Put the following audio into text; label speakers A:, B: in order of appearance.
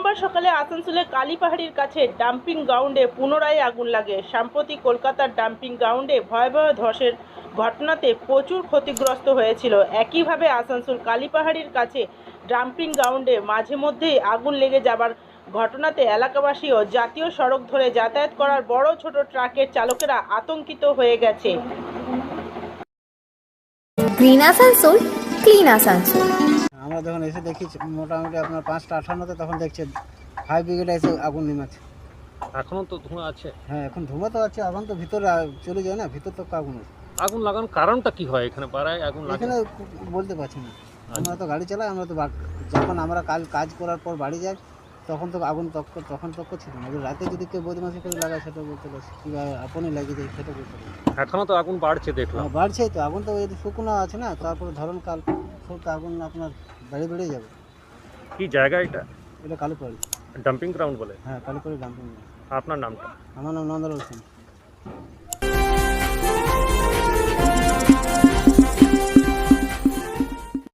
A: মঙ্গলবার সকালে আসানসোলের কালীপাহাড়ির কাছে ডাম্পিং গ্রাউন্ডে পুনরায় আগুন লাগে। সম্প্রতি কলকাতার ডাম্পিং গ্রাউন্ডে ভয়াবহ ধসের ঘটনাতে প্রচুর ক্ষতিগ্রস্ত হয়েছিল। একইভাবে আসানসোল কালীপাহাড়ির কাছে ডাম্পিং গ্রাউন্ডে মাঝে মধ্যেই আগুন লেগে যাবার ঘটনাতে এলাকাবাসী ও জাতীয় সড়ক ধরে যাতায়াত করার বড় ছোট ট্রাকের চালকেরা আতঙ্কিত হয়ে গেছে।
B: Green Asansol, clean Asansol.
C: আমরা যখন এসে দেখি মোটামুটি আপনার 5টা 58-তে, তখন দেখছে ফায়ার ব্রিগেড এসে আগুন নিমাচ্ছে।
D: এখনো তো ধোঁয়া আছে।
C: হ্যাঁ, এখন ধোঁয়া তো আছে, আগুন তো ভিতরে চলে যায় না, ভিতর তো আগুন আছে।
D: আগুন লাগানোর কারণটা কি হয় এখানে পাড়ায় আগুন লাগে?
C: এখানে বলতে পারছি না, আমরা তো গাড়ি চালাই, আমরা তো যখন আমরা কাজ করার পর বাড়ি যাই তখন তো আগুন তখন ছিল না। রাতে যদি কেউ বদমাশি করে লাগায় সেটা বলতে পারছি, কীভাবে আপনই লাগিয়ে যায় সেটা বলতে পারছি।
D: এখনো তো আগুন বাড়ছে দেখলাম।
C: বাড়ছেই তো, আগুন তো এই শুকনো আছে না, তারপরে ধরনকাল সব তো আগুন আপনার বেড়ে যাবে।
D: কি জায়গা এটা?
C: এটা কালীপাড়ি
D: ডাম্পিং গ্রাউন্ড বলে?
C: হ্যাঁ, কালীপাড়ি ডাম্পিং।
D: আপনার নামটা?
C: আমার নাম নন্দলাল সিং।